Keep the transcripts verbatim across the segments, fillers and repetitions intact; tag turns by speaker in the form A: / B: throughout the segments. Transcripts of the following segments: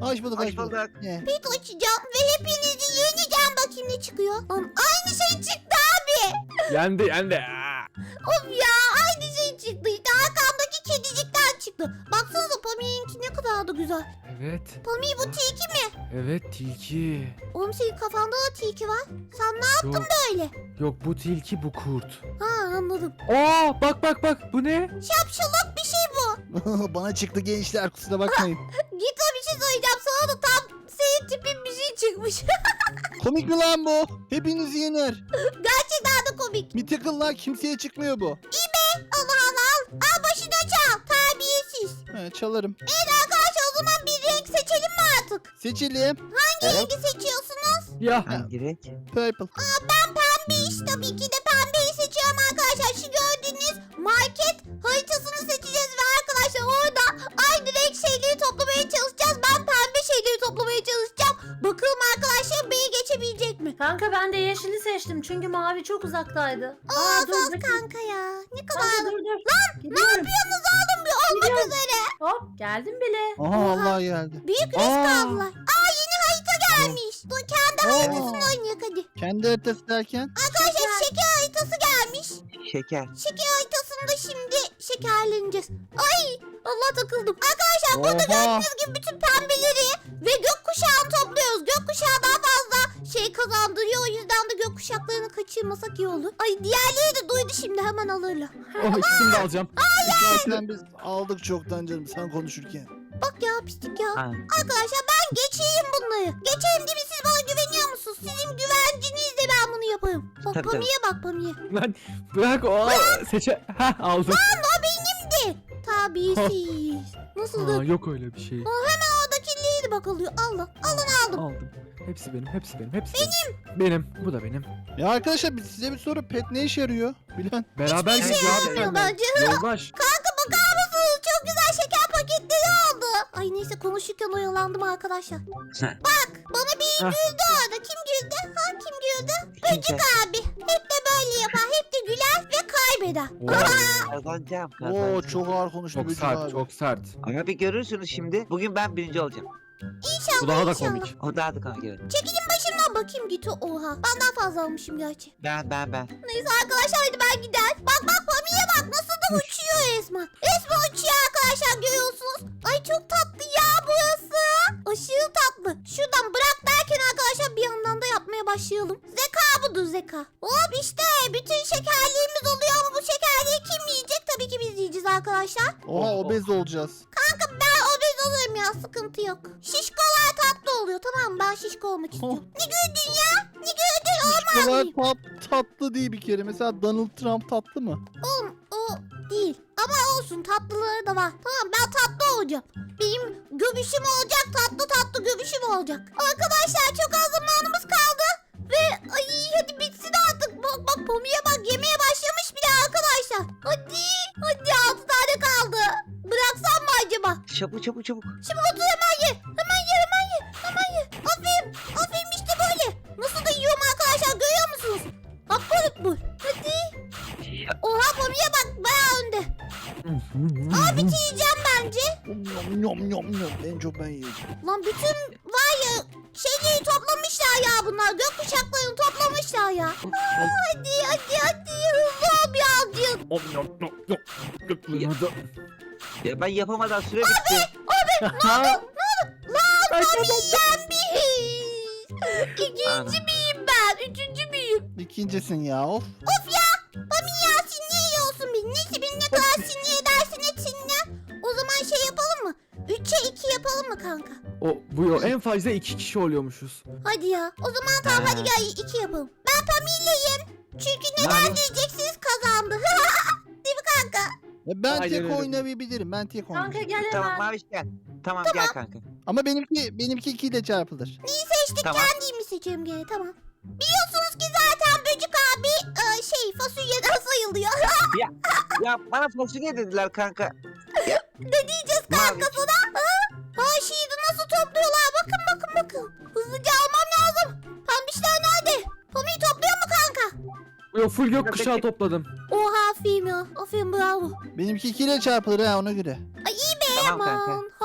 A: Hoş bulduk,
B: Hoş
A: hoş bulduk.
B: bulduk.
A: Ne?
C: Pet açacağım ve hepinizi yeneceğim. Bakayım ne çıkıyor. Lan aynı şey çıktı abi.
D: Yendi yendi. Aa.
C: Of ya aynı şey çıktı. İşte arkamdaki kedicikten çıktı. Baksanıza Pami'ninki ne kadar da güzel.
D: Evet.
C: Pami bu tilki mi?
D: Evet tilki.
C: Oğlum senin kafanda da tilki var. Sen ne yaptın
D: Yok,
C: böyle?
D: yok bu tilki bu kurt.
C: Ha anladım.
D: Aa bak bak bak bu ne?
C: Şapşalak bir şey bu.
A: Bana çıktı gençler, kusura bakmayın.
C: Git o bir şey söyleyeceğim. Sana da tam senin tipin bir şey çıkmış.
A: Komik mi lan bu? Hepinizi yener.
C: Gerçekten de komik.
A: Mythical'lar kimseye çıkmıyor bu.
C: Allah Allah al. Al başına çal. Terbiyesiz.
A: He, çalarım.
C: Evet arkadaşlar o zaman bir renk seçelim mi artık?
A: Seçelim.
C: Hangi rengi seçiyorsunuz?
D: Ya.
B: Hangi renk?
A: Purple.
C: Aa, ben pembeyi tabii ki de pembeyi seçiyorum arkadaşlar. Şu gördüğünüz market haritasını seçeceğiz ve arkadaşlar orada aynı renk şeyleri toplamaya çalışacağız. Ben pembe şeyleri toplamaya çalışacağım. Bakalım arkadaşlar beni geçebilecek mi?
E: Kanka ben de yeşili seçtim çünkü mavi çok uzaktaydı.
C: Aa
E: dur,
C: sus
E: bakayım.
C: kanka ya. Ne kadar...
E: Kanka dur dur.
C: Lan ne
E: Gidiyorum.
C: yapıyorsunuz oğlum bir olmak
E: Gidiyorum.
C: üzere.
E: Hop geldim bile.
A: Aha vallahi geldi.
C: Büyük risk
A: Aa.
C: aldılar. Aa yeni harita gelmiş. Dur kendi
A: Aa.
C: haritasını oynayak hadi.
A: Kendi haritası derken.
C: Arkadaşlar şeker haritası gelmiş.
B: Şeker.
C: Şeker haritasında şimdi şekerleneceğiz. Ay Allah takıldım. Arkadaşlar burada
A: Oha.
C: gördüğünüz gibi bütün pembeleri ve gökkuşağını topluyoruz. Gökkuşağı daha fazla şey kazandırıyor. O yüzden de gökkuşaklarını kaçırmasak iyi olur. Ay diğerleri de duydu şimdi hemen alırlar.
D: Oh ikisini de alacağım.
A: Zaten biz aldık çoktan canım sen konuşurken.
C: Bak ya pislik ya.
B: Ha.
C: Arkadaşlar ben geçeyim bunları. Geçeyim değil mi? Siz bana güveniyor musunuz? Sizin güvencinizle ben bunu yaparım. Bak
B: Tabii,
C: Pami'ye bak Pami'ye.
D: Lan bırak o seçe. Ha aldım.
C: O benimdi. Tabisiz. Nasıldı?
D: Aa, yok öyle bir şey.
C: Hemen oradakiliydi bak alıyor. Allah. Alın aldım.
D: Aldım. Hepsi benim, hepsi benim, hepsi benim. Benim, bu da benim.
A: Ya arkadaşlar biz size bir soru, pet ne işe yarıyor? Bilen.
D: Beraber
C: Hiçbir şey
D: gidiyor abi
C: yapmıyor
D: senden.
C: bence.
D: Yoldaş.
C: Kanka bakar mısınız? Çok güzel şeker paketleri aldı. Ay neyse konuşurken oyalandım arkadaşlar. Bak bana biri
D: Heh.
C: güldü orada. Kim güldü? Ha kim güldü?
B: Kimse.
C: Abi. Hep de böyle yapar. Hep de güler ve kaybeder.
D: Oo,
B: Kazanacağım.
A: Oo
B: kazanacağım.
A: çok ağır konuştu.
D: çok
A: Böcük
D: sert,
A: abi.
D: çok sert.
B: Ama bir görürsünüz şimdi. Bugün ben birinci olacağım.
C: İnşallah
D: Bu daha da
C: inşallah.
D: komik.
B: O daha da kanka evet.
C: Çekilin başımdan bakayım git. Oha. Ben daha fazla almışım gerçi.
B: Ben ben ben.
C: Neyse arkadaşlar hadi ben gider. Bak bak Pami'ye bak nasıl da uçuyor resmen. Resmen uçuyor arkadaşlar görüyorsunuz. Ay çok tatlı ya burası. Aşırı tatlı. Şuradan bırak derken arkadaşlar bir yandan da yapmaya başlayalım. Zeka budur zeka. Hop işte bütün şekerliğimiz oluyor ama bu şekerliği kim yiyecek? Tabii ki biz yiyeceğiz arkadaşlar.
A: Oha obez olacağız.
C: Kanka ben obez olurum ya sıkıntı yok. Şişkolar tatlı oluyor tamam mı? Ben şişko olmak istiyorum. Ne güldün ya? Ne güldün?
A: Bu kadar tat, tatlı değil bir kere. Mesela Donald Trump tatlı mı?
C: Oğlum o değil. Ama olsun tatlıları da var. Tamam ben tatlı olacağım. Benim göbüşüm olacak tatlı tatlı göbüşüm olacak. Arkadaşlar çok az zamanımız kaldı. Ve ay hadi bitsin artık. Bak bak Pomi'ye bak yemeye başlamış bile arkadaşlar. Hadi hadi altı tane kaldı. Bıraksam mı acaba?
B: Çabuk çabuk çabuk.
C: Şimdi otur hemen ye. Hemen ye hemen ye. Hemen ye. Aferin. Aferin işte böyle. Nasıl da yiyorum arkadaşlar görüyor musunuz? Bak bu bu. Hadi. Oha Pomi'ye bak bayağı önde. Aa bitireceğim bence.
A: Yom yom yom yom. En çok ben yiyeceğim.
C: Lan bütün var ya şeyleri toplamışlar ya bunlar. Gökkuşaklarını toplamışlar ya. Aa, hadi hadi hadi hızlı ol birazcık.
D: Om, nom, nom, nom. Gökyüzü.
B: Ya ben yapamadan süre bitti.
D: Ha?
C: Lan Pomi'yen biz. İkinci miyim ben? Üçüncü müyüm?
A: İkincisin ya of.
C: Of ya. Pami ya sinir yiyorsun beni. Neyse beni ne kadar sinir edersin et sinirlen. O zaman şey yapalım mı? Üçe iki yapalım mı kanka?
D: O bu yol en fazla iki kişi oluyormuşuz.
C: Hadi ya. O zaman tamam
B: Ha.
C: hadi gel iki yapalım. Ben Pami'yleyim. Çünkü neden
B: Tamam.
C: diyeceksiniz kazandı. Değil mi kanka?
A: Ya ben
D: Aynen
A: tek
D: öyle.
A: oynayabilirim. Ben tek
E: Kanka
A: oynayabilirim.
E: gel
B: Tamam
E: hemen.
B: Maviş gel. Tamam, gel kanka.
A: Ama benimki benimki iki ile çarpılır.
C: Neyi seçtik
B: Tamam.
C: kendimi seçiyorum gene tamam. Biliyorsunuz ki zaten Böcük abi e, şey fasulyeden sayılıyor.
B: Ya bana fasulye dediler kanka.
C: Ne diyeceğiz kanka sana? Ha? Ha şiiri nasıl topluyorlar? Bakın bakın bakın. Hızlıca almam lazım. Pembişler nerede? Pami'yi topluyor mu kanka?
D: Yo full gökkuşağı topladım.
C: Oha aferin ya. Aferin bravo.
A: Benimki iki ile çarpılır ha ona göre.
C: Ay iyi be
B: Tamam
C: aman.
B: kanka.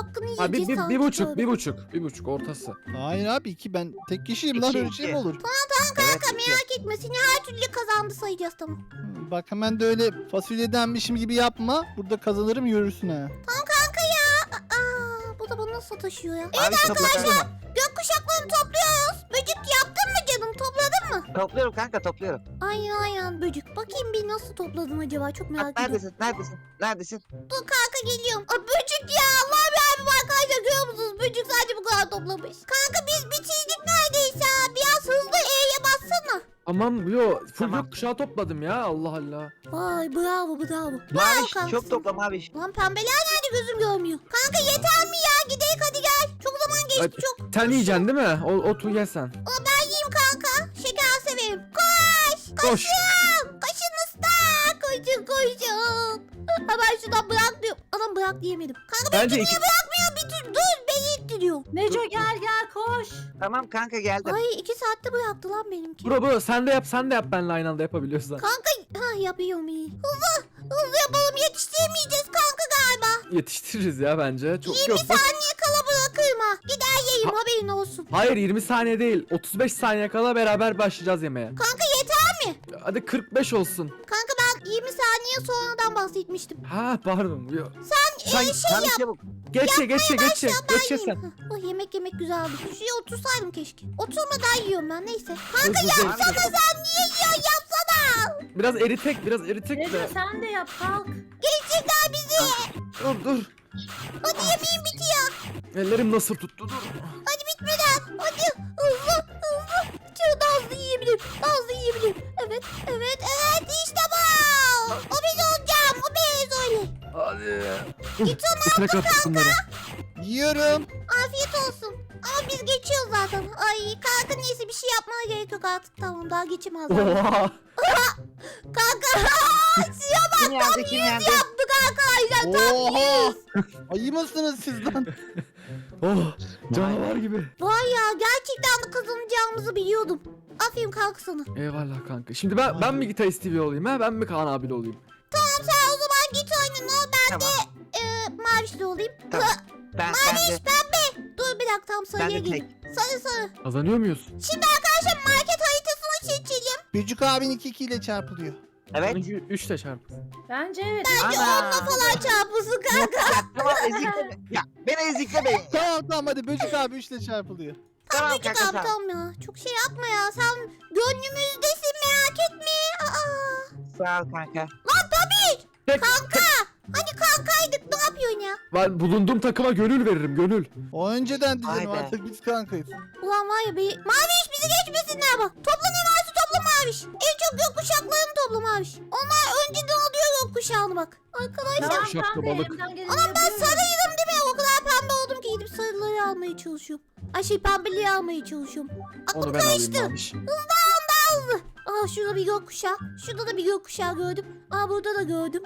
C: hakkını yiyeceğiz
D: Ha, bir, bir,
C: sanki
D: bir buçuk,
C: böyle.
D: bir buçuk, bir buçuk ortası.
A: Hayır abi iki ben tek kişiyim lan
B: İki,
A: öyle şey mi
B: iki.
A: olur?
B: Evet,
C: Kanka
B: iki.
C: merak etme seni her türlü kazandı sayacağız tamam.
A: Hı, Bak hemen de öyle fasulyedenmişim gibi yapma. Burada kazanırım görürsün ha.
C: Tamam kanka ya. Aa, bu da bana nasıl taşıyor ya?
B: Abi topla kanka.
C: Gökkuşaklarını topluyoruz. Böcük yaptın mı canım topladın mı?
B: Topluyorum kanka topluyorum.
C: Aynen aynen böcük. Bakayım bir nasıl topladın acaba çok merak
B: Bak,
C: ediyorum.
B: neredesin neredesin neredesin?
C: Dur kanka geliyorum. Aa, böcük ya Allah be abi arkadaşlar görüyor musunuz? Böcük sadece bu kadar toplamış. Kanka biz bitirdik neredeyse ha. Biraz hızlı E'ye bassana.
D: Tamam yo full
B: Tamam.
D: gökkuşağı topladım ya Allah Allah.
C: Vay bravo bravo. Bravo
B: Maviş
C: kanka.
B: çok topla Maviş.
C: Lan pembeler nerede gözüm görmüyor. Kanka yeter mi ya? Gidelim hadi gel. Çok zaman geçti
D: Hadi.
C: çok.
D: Sen yiyeceksin değil mi? O, otu ye sen.
C: Aa, ben yiyeyim kanka. Şeker severim. Koş.
D: Koş.
C: Koşun. Koşun usta. Koşun koşun. Hemen şuradan bırak diyor. Adam bırak diyemedim. Kanka beni
D: Bence
C: niye
D: iki,
C: bırakmıyor? Bir tür dur beni ittiriyor.
E: Neco gel gel koş.
B: Tamam kanka geldim.
C: Ay iki saatte bıraktı lan benimki.
D: bro bro sen de yap sen de yap benle aynı anda yapabiliyorsan.
C: Kanka ha yapıyorum iyi. Hızlı. Hızlı yapalım yetiştiremeyeceğiz kanka galiba.
D: Yetiştiririz ya bence. Çok
C: yirmi
D: yok. Bak,
C: saniye kala bırakırım ha. Gider yiyeyim
D: Ha-
C: haberin olsun.
D: hayır yirmi saniye değil. otuz beş saniye kala beraber başlayacağız yemeğe.
C: Kanka yeter mi?
D: Hadi kırk beş olsun.
C: Kanka ben yirmi saniye sonradan bahsetmiştim.
D: Ha pardon. Yo.
C: Sen,
D: Sen-
C: e, şey
B: Maviş
C: yap.
B: çabuk.
D: Geç ye geç ye geç ye.
C: Başla ben
D: Geç ye sen.
C: yiyeyim. Hah, oh, yemek yemek güzeldi. Şuraya otursaydım keşke. Oturmadan yiyorum ben neyse. Kanka
D: Hızlı hızlı.
C: yapsana sen niye yiyorsun yapsana.
D: Biraz eritek biraz eritek
E: Neco
D: de.
E: sen de yap kalk.
C: Geçecekler bizi.
D: Dur dur.
C: Hadi yemeğim bitiyor.
D: Ellerim nasıl tuttu dur.
C: Hadi bitmeden. Hadi hızlı hızlı. Şöyle daha hızlı yiyebilirim. Daha hızlı yiyebilirim. Evet evet evet işte bu. O biz olacağım. O biz öyle.
D: Hadi.
C: Git
D: İçine kattık bunları.
A: Yiyorum.
C: Afiyet olsun. Ama biz geçiyoruz zaten. Ay kanka neyse bir şey yapmaya gerek yok artık. Tamam daha geçemez.
D: Oha.
C: Kanka suya
B: Kim yendi kim yendi?
C: baktık arkadaşlar. Tam
A: Oha.
C: yüz.
A: Ayı mısınız siz lan?
D: Oh. Canavar gibi.
C: Vay ya gerçekten de kazanacağımızı biliyordum. Aferin kanka sana.
D: Eyvallah kanka. Şimdi ben ben mi Gitarist T V olayım ha? Ben mi Kaan abiyle olayım?
C: Tamam sen o zaman git oynana ben
B: Tamam.
C: de e, mavişli olayım.
B: Tamam. Ben ben
C: Maviş
B: de.
C: pembe. Dur bir dakika tam sarıya
B: Ben de
C: gelin. Sarı sarı.
D: Kazanıyor muyuz?
C: Şimdi arkadaşlar market haritasını seçelim.
A: Böcük abin iki iki ile çarpılıyor.
B: Evet.
D: üç de çarp.
E: Bence evet.
C: Bence
B: Ana.
C: onunla falan çarpılsın kanka.
B: Ya tamam ezikleme. Ya beni eziklemeyin.
A: Tamam tamam hadi Böcük abi üç ile çarpılıyor.
B: Tamam
C: Böcük
B: kanka
C: abi
B: tamam.
C: tamam ya. Çok şey yapma ya. Sen gönlümüzdesin merak etme. Aa.
B: Sağ ol kanka.
C: Lan tabii.
D: Tek,
C: Kanka. Hani kankaydık ne yapıyorsun ya?
D: ben bulunduğum takıma gönül veririm gönül.
A: O önceden
B: Vay
A: dedim
B: be.
A: artık biz kankayız.
C: Ulan var ya bir... Maviş bizi geçmesinler bak. Topla ne varsa topla Maviş. En çok gökkuşaklarını topla Maviş. Onlar önceden alıyor gökkuşağını bak. Arkadaşlar.
E: Tamam
D: Şapka
E: kanka
D: balık.
E: elimden geleni
C: Anam ben
E: yapıyorum.
C: sarıydım değil mi? O kadar pembe oldum ki gidip sarıları almaya çalışıyorum. Ay şey pembeliği almaya çalışıyorum. Aklım
D: Onu ben alayım
C: karıştı.
D: Maviş.
C: Hızlı. Aa şurada bir gökkuşağı. Şurada da bir gökkuşağı gördüm. Aa burada da gördüm.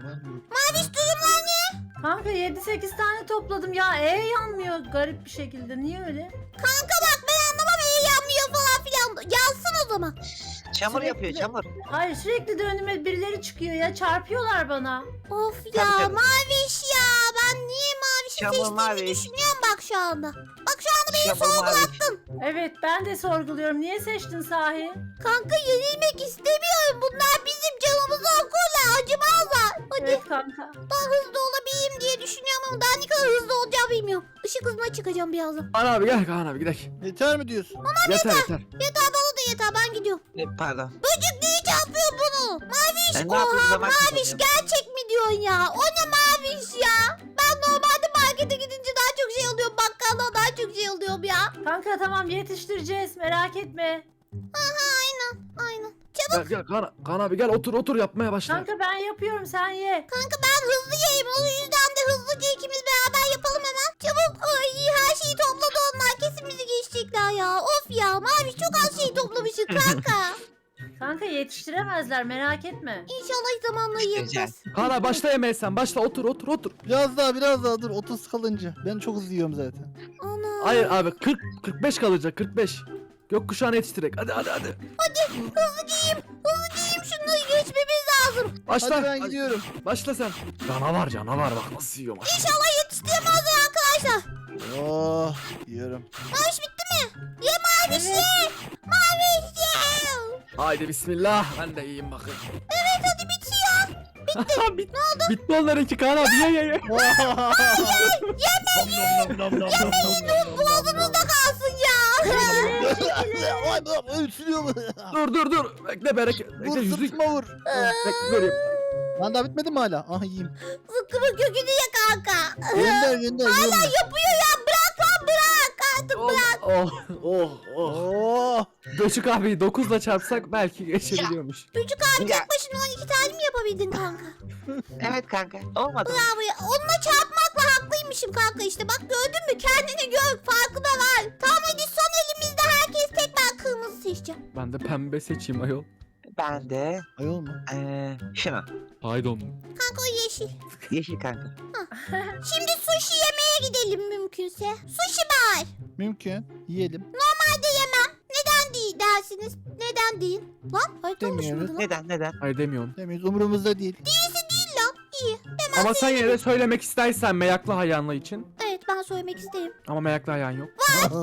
C: Maviş durumlar ne?
E: Kanka yedi sekiz tane topladım ya. E yanmıyor garip bir şekilde. Niye öyle?
C: Kanka bak ben anlamam iyi yanmıyor falan filan. Yansın o zaman.
B: Çamur
E: Sürekli-
B: yapıyor çamur.
E: Hayır sürekli de önüme birileri çıkıyor ya. Çarpıyorlar bana.
C: Of ya
B: Tabii, tabii.
C: Maviş ya. Ben niye Maviş'i
B: Çamur,
C: seçtiğimi
B: Maviş.
C: düşünüyorum bak şu anda. Bak şu anda beni
B: Çamur Maviş.
C: sorgulattın.
E: Evet ben de sorguluyorum. Niye seçtin sahi?
C: Kanka yenilmek istemiyorum. Bunlar bizim canımızı okurlar. Acımazlar. Hadi
E: Evet kanka.
C: daha hızlı olabileyim diye düşünüyorum ama daha ne kadar hızlı olacağımı bilmiyorum. Işık hızına çıkacağım birazdan.
D: Kaan abi gel Kaan abi gidelim.
A: Yeter mi diyorsun?
D: Yeter yeter.
C: Yeter bana da yeter ben gidiyorum.
B: E, pardon.
C: Böcek niye çarpıyor bunu? Maviş
B: Ben ne yapayım,
C: oha
B: zaman
C: Maviş
B: kazanıyorum.
C: gerçek mi diyorsun ya? O ne Maviş ya? Ben normalde markete gidince daha çok şey alıyorum. Bakkalda daha çok şey alıyorum ya.
E: Kanka tamam yetiştireceğiz. Merak etme.
C: Aha aynen aynen.
D: Gel
C: Çabuk
D: gel Kaan, Kaan abi gel otur otur yapmaya başla.
E: Kanka ben yapıyorum sen ye.
C: kanka ben hızlı yiyeyim. O yüzden de hızlıca ikimiz beraber yapalım hemen. Çabuk ay her şeyi topladı onlar. Kesin bizi geçecekler ya. Of ya Maviş çok az şey toplamışız kanka.
E: Kanka yetiştiremezler merak etme.
C: İnşallah zamanla yiyeceğiz.
D: Kaan abi başla yemeğe sen başla otur otur otur.
A: Biraz daha biraz daha dur otuz kalınca. Ben çok hızlı yiyorum zaten.
C: Ana.
D: Hayır abi kırk kırk beş kalacak kırk beş. Gökkuşağını yetiştirek hadi hadi hadi.
C: Hızlı giyeyim. Hızlı giyeyim şunları geçmemiz lazım.
D: Başla.
A: Hadi ben gidiyorum.
D: Başla sen. Canavar canavar bak nasıl yiyor maşallah.
C: İnşallah yetiştiremezler arkadaşlar. arkadaşlar.
A: Oh yiyorum.
C: Maviş bitti mi? Ye Maviş ye. Maviş ye.
D: Haydi bismillah. Ben de yiyeyim bakın.
C: Evet hadi bitiyor.
D: Bit, ne oldu? Bitti onlarınki Kaan abi. Ye ye ye.
C: Boğazınızda kalsın ya.
A: Ay üsülüyor mu?
D: Dur dur dur. Bekle bereket. Bekle
A: Vur
D: yüzlük.
A: sırtıma vur.
D: Bekle vereyim.
A: Lan daha bitmedi mi hala? Ah yiyeyim.
C: Zıkkımın kökünü ye kanka.
A: Gönder gönder
C: Hala
A: yiyorum
C: yapıyor ya. Bırak lan bırak. Artık
D: Oh
C: bırak.
D: oh oh.
A: ben.
D: oh.
A: Oh.
D: Göçük abi dokuzla çarpsak belki geçebiliyormuş.
C: Çocuk abi
B: Ya.
C: tek başına on iki tane mi yapabildin kanka?
B: Evet kanka. Olmadı.
C: Bravo ya. Onunla çarpmakla haklıymışım kanka işte. Bak gördün mü? Kendini gör. Farkına var. Tamam hadi son elimizde herkes tek, ben kırmızı seçeceğim.
D: Ben de pembe seçeyim ayol.
B: Ben de
A: Ayol mu?
B: eee şunu.
D: Pardon.
C: Kanka o yeşil.
B: Yeşil kanka.
C: Şimdi sushi yemeye gidelim mümkünse. Sushi bar.
A: Mümkün. Yiyelim.
C: Normalde yemem. Neden değil dersiniz? Neden değil? Lan harita
A: Demiyoruz.
C: oluşmadı lan.
B: Neden neden?
D: Hayır demiyorum.
A: Demeyiz umurumuzda değil.
C: Değilse değil lan. İyi. Hemen
D: Ama sen yine de söylemek istersen meyaklı hayvanlı için.
C: Evet ben söylemek isterim.
D: Ama meyaklı hayvan yok.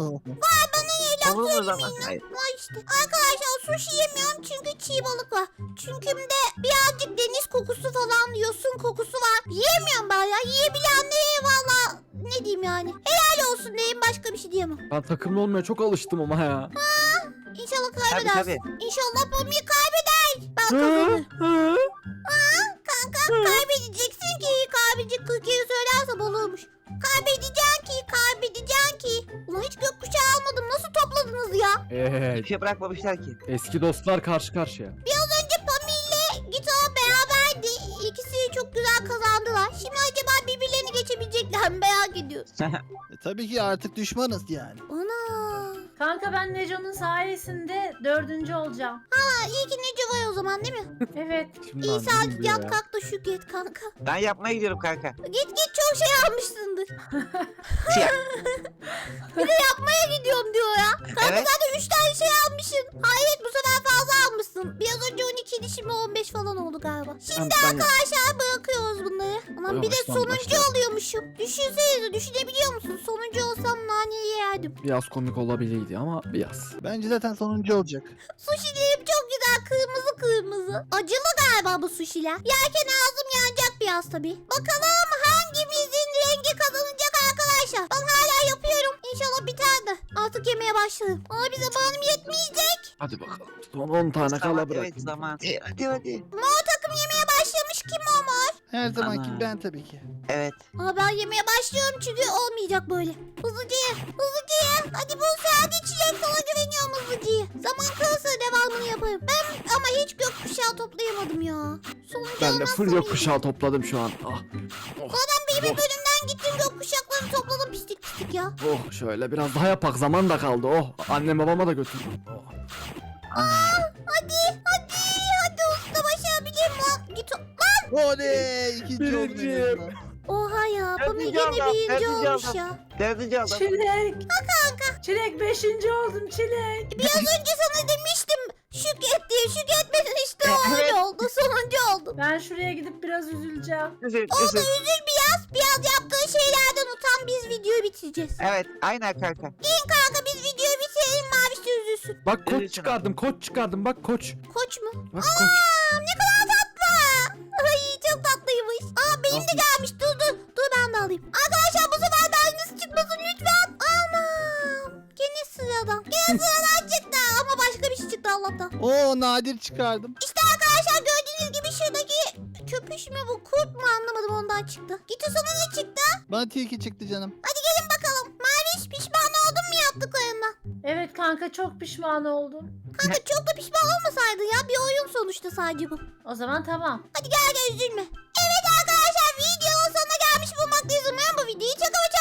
B: Olur o zaman. Hayır.
C: Var işte. Arkadaşlar sushi yemiyorum çünkü çiğ balık var. Çünkü de birazcık deniz kokusu falan, yosun kokusu var. Yiyemiyorum ben ya. Yiyebilenlere valla ne diyeyim yani. Helal olsun diyeyim, başka bir şey diyemem.
D: Ben takımlı olmaya çok alıştım ama ya.
C: İnşallah
B: Tabii
C: kaybedersin.
B: tabii.
C: İnşallah Pamir kaybeder. Ben
D: Hı?
C: kazanırım.
D: Hı?
C: Kanka kaybedeceksin ki. Kaybedecek kırk kere söylerse balığımış. Kaybedeceksin ki, kaybedeceksin ki. Ulan hiç gökkuşağı almadım. Nasıl topladınız ya?
D: Evet.
B: Bir şey bırakmamışlar ki.
D: Eski dostlar karşı karşıya.
C: Biraz önce Pami ile Gito beraberdi. İkisi çok güzel kazandılar. Şimdi acaba birbirlerini geçebilecekler mi merak ediyorum.
A: E, tabii ki artık düşmanız yani.
C: Ana.
E: Kanka ben Neco'nun sayesinde dördüncü olacağım.
C: Ha, iyi ki Neco var o zaman değil mi?
E: Evet.
D: Şimdi
C: İyi
D: anladım
C: saat
D: diyor
C: yat
D: ya.
C: kalk da şükret kanka.
B: Ben yapmaya gidiyorum kanka.
C: Git git çok şey almışsındır.
B: Siyah.
C: Yapmaya gidiyorum diyor ya. Kanka
B: Evet.
C: zaten üç tane şey almışsın. Hayret bu sefer fazla almışsın. Biraz önce on ikiydi şimdi on beş falan oldu galiba. Şimdi
D: Ben- ben-
C: arkadaşlar bırakıyoruz bunları. Aman bir de
D: Baştan,
C: sonuncu
D: baştan.
C: oluyormuşum. Düşünsenize, düşünebiliyor musun? Sonuncu olsam naneyi yerdim.
D: Biraz komik olabilirdi ama biraz.
A: Bence zaten sonuncu olacak.
C: Sushilerim çok güzel, kırmızı kırmızı. Acılı galiba bu sushiler. Yerken ağzım yanacak biraz tabii. Bakalım hangimizin rengi kazanacak arkadaşlar. Ben hala yapıyorum. İnşallah biter de. Artık yemeye başlarım. Ama bize zamanım yetmeyecek.
D: Hadi bakalım. Son on tane
B: Zaman,
D: kala bırak.
B: evet zaman. E, hadi hadi.
C: Mor takım yemeye başlamış, kim o mor?
A: Her zamanki
B: Ana.
A: ben tabii ki.
B: Evet.
C: Ama ben yemeye başlıyorum çünkü olmayacak böyle. Hızlıca ye, hızlıca ye. Hadi bu hadi çilek, sana güveniyorum, hızlıca ye. Zaman kalırsa devamını yaparım. Ben ama hiç gökkuşağı toplayamadım ya. Sonuncu
D: Ben de
C: olmazsam
D: full
C: iyi.
D: gökkuşağı topladım şu an. Ah. Oh,
C: Zaten bir bir
D: oh,
C: bölümden gittim gökkuşaklarını topladım pislik pislik ya.
D: oh, şöyle biraz daha yapak, zaman da kaldı. Oh, annem babama da götürdüm. Oh.
C: Hadi hadi hadi usta, başarabilir mi lan? Git o- lan.
A: Oley! İkinci oldum. en
D: Birinciyim.
A: azından.
C: Oha ya, Pamir
B: Dördüncü
C: yine
B: adam,
C: birinci
B: dördüncü
C: olmuş
B: adam.
C: ya.
B: Dördüncü adam.
E: Çilek. kanka. Çilek beşinci oldum Çilek.
C: Biraz önce sana demiştim şükret diye, şükretmedin işte o öyle oldu, sonuncu oldu.
E: Ben şuraya gidip biraz üzüleceğim.
B: Üzül,
C: Oldu,
B: üzül.
C: üzül biraz, biraz yaptığın şeylerden utan, biz videoyu bitireceğiz.
B: Evet aynen kanka.
C: Gelin kanka biz videoyu bitirelim, Maviş de üzülsün.
D: Bak koç
B: Üzülsün
D: çıkardım, koç çıkardım. Bak koç.
C: Koç mu?
D: Bak koç.
C: Aa, ne kadar tatlı. Ay çok tatlıymış. Aa benim de gelmiş, dur dur. Dur ben de alayım. Arkadaşlar bu sefer de aynısı çıkmasın lütfen. Anam. Gene sıradan. Gene sıradan çıktı ama başka bir şey çıktı Allah'tan.
A: Oo nadir çıkardım.
C: İşte arkadaşlar gördüğünüz gibi şuradaki köpüş mü bu, kurt mu anlamadım, ondan çıktı. Git o sana ne çıktı?
A: Bana tilki çıktı canım.
C: Hadi gelin bakalım. Maviş pişman oldun mu yaptıklarından?
E: Evet kanka çok pişman oldum.
C: Kanka çok da pişman olmasaydın ya, bir oyun sonuçta sadece bu.
E: O zaman tamam.
C: Hadi gel gel üzülme. Evet arkadaşlar videonun sonuna gelmiş bulmaktayız. Umarım bu videoyu çok ama çok